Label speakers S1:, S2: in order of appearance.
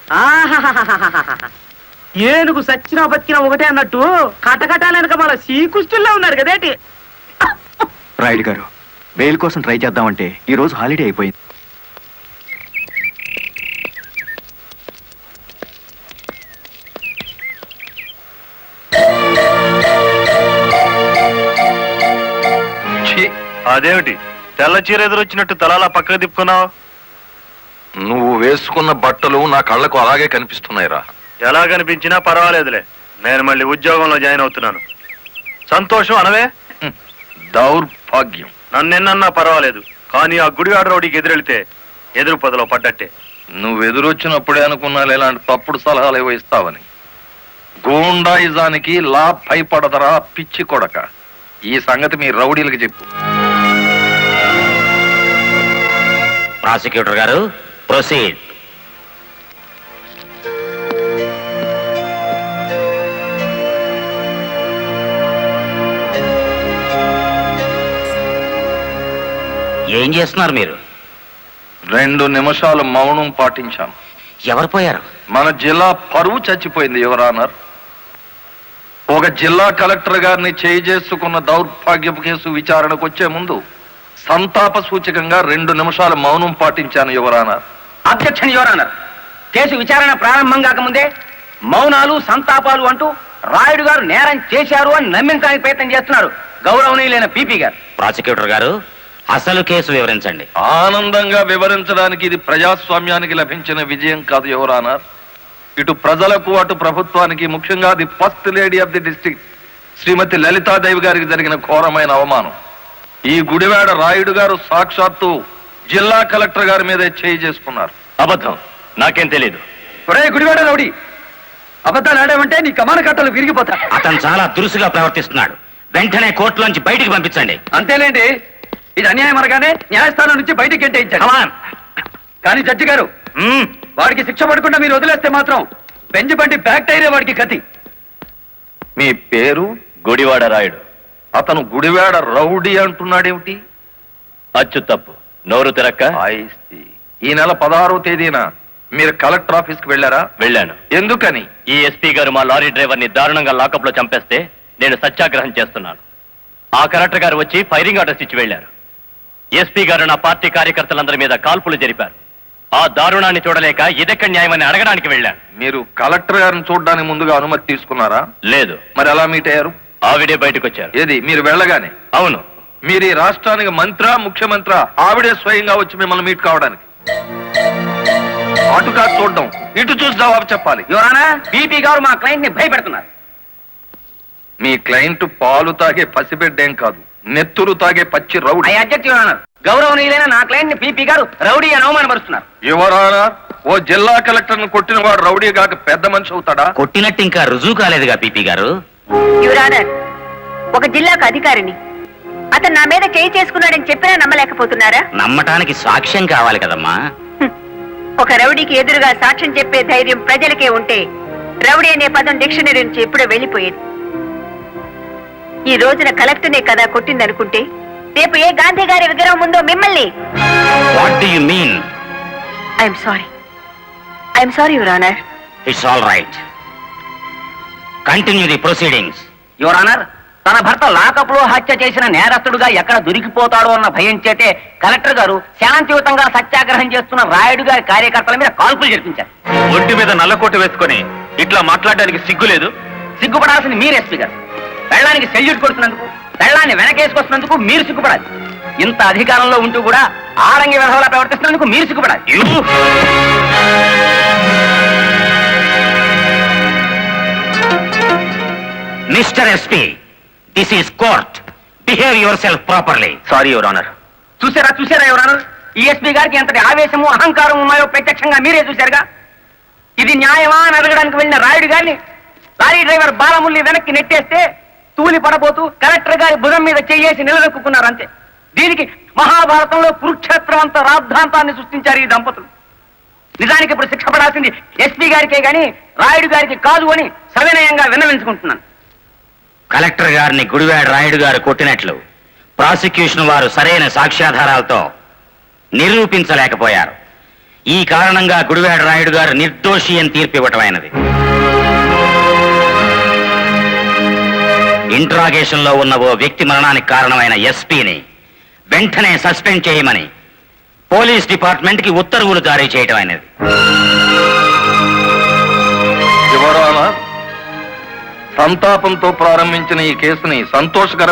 S1: ఏనుగు సచ్చినా బతికినా ఒకటే అన్నట్టు కటకటాలనక మన శ్రీకృష్ణుల్లో ఉన్నాడు కదేటి.
S2: రాయుడు గారు, బెయిల్ కోసం ట్రై చేద్దామంటే ఈ రోజు హాలిడే అయిపోయింది.
S3: అదేమిటి తెల్ల చీర ఎదురొచ్చినట్టు తలాలా పక్కకు తిప్పుకున్నావు?
S4: నువ్వు వేసుకున్న బట్టలు నా కళ్ళకు అలాగే కనిపిస్తున్నాయిరా.
S3: ఎలా కనిపించినా పర్వాలేదులే, నేను మళ్ళీ ఉద్యోగంలో జాయిన్ అవుతున్నాను. సంతోషం అనవే.
S4: దౌర్భాగ్యం.
S3: నన్నెన్నన్నా పర్వాలేదు, కానీ ఆ గుడివాడ రౌడీకి ఎదురెళ్తే ఎదురు పొదలో పడ్డట్టే.
S4: నువ్వు ఎదురొచ్చినప్పుడే అనుకున్నా ఇలాంటి తప్పుడు సలహాలు ఏవో ఇస్తావని. గూండాయిజానికి లా భయపడదరా పిచ్చి కొడక. ఈ సంగతి మీ రౌడీలకు చెప్పు.
S5: ప్రాసిక్యూటర్ గారు, ప్రొసీడ్. ఏం చేస్తున్నారు మీరు?
S4: 2 నిమిషాలు మౌనం పాటించాను.
S5: ఎవరు పోయారు?
S4: మన జిల్లా పరువు చచ్చిపోయింది యువర్ ఆనర్. ఒక జిల్లా కలెక్టర్ గారిని చేసుకున్న దౌర్భాగ్యపు కేసు విచారణకు వచ్చే ముందు సంతాప సూచకంగా 2 నిమిషాలు మౌనం పాటించాను your honour.
S1: Objection your honour. కేసు విచారణ ప్రారంభం కాకముందే మౌనాలు సంతాపాలు అంటూ రాయుడు గారు నేరం చేశారు అని నమ్మించడానికి ప్రయత్నం చేస్తున్నారు గౌరవనీయులైన పీపీ గారు.
S5: ప్రాసిక్యూటర్ గారు, అసలు కేసు వివరించండి.
S4: ఆనందంగా వివరించడానికి ఇది ప్రజాస్వామ్యానికి లభించిన విజయం కాదు యువర్ ఆనర్. ఇటు ప్రజలకు అటు ప్రభుత్వానికి, ముఖ్యంగా the first lady of the district Shrimati Lalitadevi garu జరిగిన ఘోరమైన అవమానం. ఈ గుడివాడ రాయుడు గారు సాక్షాత్తు జిల్లా కలెక్టర్ గారి మీదే చేసుకున్నారు.
S3: అబద్ధం, నాకేం తెలీదు.
S1: గుడివాడ రౌడీ, అబద్ధాలు ఆడామంటే నీ కమాన కట్టలు విరిగిపోతా.
S5: అతను చాలా దురుసుగా ప్రవర్తిస్తున్నాడు. వెంటనే కోర్టులోంచి బయటికి పంపించండి.
S1: అంతేలేండి, ఇది అన్యాయం అనగానే న్యాయస్థానం నుంచి బయటికి గెంటేయించారు. కానీ జడ్జి గారు, వాడికి శిక్ష పడకుండా మీరు వదిలేస్తే మాత్రం బెంచ్ బండి బ్యాక్ టైరే వాడికి గతి.
S4: మీ పేరు?
S3: గుడివాడ రాయుడు.
S4: అతను గుడివాడ రౌడీ అంటున్నాడేమిటి?
S3: అచ్చు తప్పు, నోరు తిరక్క.
S4: ఈ నెల 16వ తేదీన మీరు కలెక్టర్ ఆఫీస్ కి వెళ్ళారా?
S3: వెళ్ళాను.
S4: ఎందుకని?
S3: ఈ ఎస్పీ గారు మా లారీ డ్రైవర్ ని దారుణంగా లాకప్ లో చంపేస్తే నేను సత్యాగ్రహం చేస్తున్నాను. ఆ కలెక్టర్ గారు వచ్చి ఫైరింగ్ ఆర్డర్స్ ఇచ్చి వెళ్లారు. ఎస్పీ గారు నా పార్టీ కార్యకర్తలందరి మీద కాల్పులు జరిపారు. ఆ దారుణాన్ని చూడలేక ఇదెక్కడ న్యాయమని అడగడానికి వెళ్ళాను.
S4: మీరు కలెక్టర్ గారిని చూడడానికి ముందుగా అనుమతి తీసుకున్నారా?
S3: లేదు.
S4: మరి ఎలా మీట్ అయ్యారు?
S3: ఆవిడే బయటకు వచ్చారు.
S4: ఏది, మీరు వెళ్ళగానే?
S3: అవును.
S4: మీరు ఈ రాష్ట్రానికి మంత్రా, ముఖ్యమంత్రా? ఆవిడే స్వయంగా వచ్చి మిమ్మల్ని మీట్ కావడానికి? అటు కాదు చూడడం, ఇటు చూసి జవాబు చెప్పాలి.
S1: యువరానా, పీపీ గారు మా క్లయింట్ ని భయపెడుతున్నారు.
S4: మీ క్లయింట్ పాలు తాగే పసిబిడ్డేం కాదు, నెత్తురు తాగే పచ్చి రౌడీ.
S1: గౌరవనీయులైన నా క్లయింట్ ని పీపీ గారు రౌడీ అని అవమానపరుస్తున్నారు.
S4: యువరానా, ఓ జిల్లా కలెక్టర్ ను కొట్టిన వాడు రౌడీ కాక పెద్ద మనిషి అవుతాడా?
S5: కొట్టినట్టు ఇంకా రుజువు కాలేదుగా పీపీ గారు.
S6: యువరానర్, ఒక జిల్లాకు అధికారిని అతను నా మీద చేయి చేసుకున్నాడని చెప్పినా నమ్మలేకపోతున్నారా?
S5: నమ్మటానికి సాక్ష్యం కావాలి కదమ్మా.
S6: ఒక రౌడీకి ఎదురుగా సాక్ష్యం చెప్పే ధైర్యం ప్రజలకే ఉంటే రౌడీ అనే పదం డిక్షనరీ నుంచి ఎప్పుడో వెళ్ళిపోయేది. ఈ రోజున కలెక్టర్నే కదా కొట్టిందనుకుంటే రేపు ఏ గాంధీ గారి విగ్రహం ఉందో మిమ్మల్ని.
S5: What do you mean?
S6: I'm sorry your honour.
S5: It's all right. Continue the proceedings.
S1: Your honour, తన భర్త లాకప్ లో హత్య చేసిన నేరస్తుడుగా ఎక్కడ దొరికిపోతాడో అన్న భయం చేతే కలెక్టర్ గారు శాంతియుతంగా సత్యాగ్రహం చేస్తున్న రాయుడు గారి కార్యకర్తల మీద కాల్పులు జరిపించారు.
S3: ఒంటి మీద నల్లకోట వేసుకొని ఇట్లా మాట్లాడడానికి సిగ్గు లేదు?
S1: సిగ్గుపడాల్సింది మీరు ఎస్పీ గారు. పెళ్ళానికి సెల్యూట్ కొడుతున్నందుకు, పెళ్ళాన్ని వెనకేసుకొస్తున్నందుకు మీరు సిగ్గుపడాలి. ఇంత అధికారంలో ఉంటూ కూడా ఆరంగి విధవలా ప్రవర్తిస్తున్నందుకు మీరు సిగ్గుపడాలి.
S5: Mister SP, this is court. Behave yourself properly.
S3: Sorry your honour.
S1: చూసారా యువర్ ఆనర్, ఈ ఎస్పీ గారికి ఎంతటి ఆవేశము, అహంకారం ఉన్నాయో ప్రత్యక్షంగా మీరే చూశారుగా. ఇది న్యాయమా అని అడగడానికి వెళ్ళిన రాయుడు గారిని లారీ డ్రైవర్ బాలముల్లి వెనక్కి నెట్టేస్తే తూలి పడబోతూ కలెక్టర్ గారి భుజం మీద చేయేసి నిలదొక్కున్నారు అంతే. దీనికి మహాభారతంలో కురుక్షేత్రం అంత రాద్ధాంతాన్ని సృష్టించారు ఈ దంపతులు. నిజానికి ఇప్పుడు శిక్ష పడాల్సింది ఎస్పీ గారికే గాని రాయుడు గారికి కాదు అని సవినయంగా విన్నవించుకుంటున్నాను.
S5: కలెక్టర్ గారిని గుడివాడ రాయుడు గారు కొట్టినట్లు ప్రాసిక్యూషన్ వారు సరైన సాక్ష్యాధారాలతో నిరూపించలేకపోయారు. ఈ కారణంగా గుడివాడ రాయుడు గారు నిర్దోషి అని తీర్పు ఇవ్వటమైనది. ఇంట్రాగేషన్ లో ఉన్న ఓ వ్యక్తి మరణానికి కారణమైన ఎస్పీని వెంటనే సస్పెండ్ చేయమని పోలీస్ డిపార్ట్మెంట్ కి ఉత్తర్వులు జారీ చేయటం అయినది.
S4: యువర్ ఆనర్, సంతాపంతో ప్రారంభించిన ఈ కేసుని సంతోషకర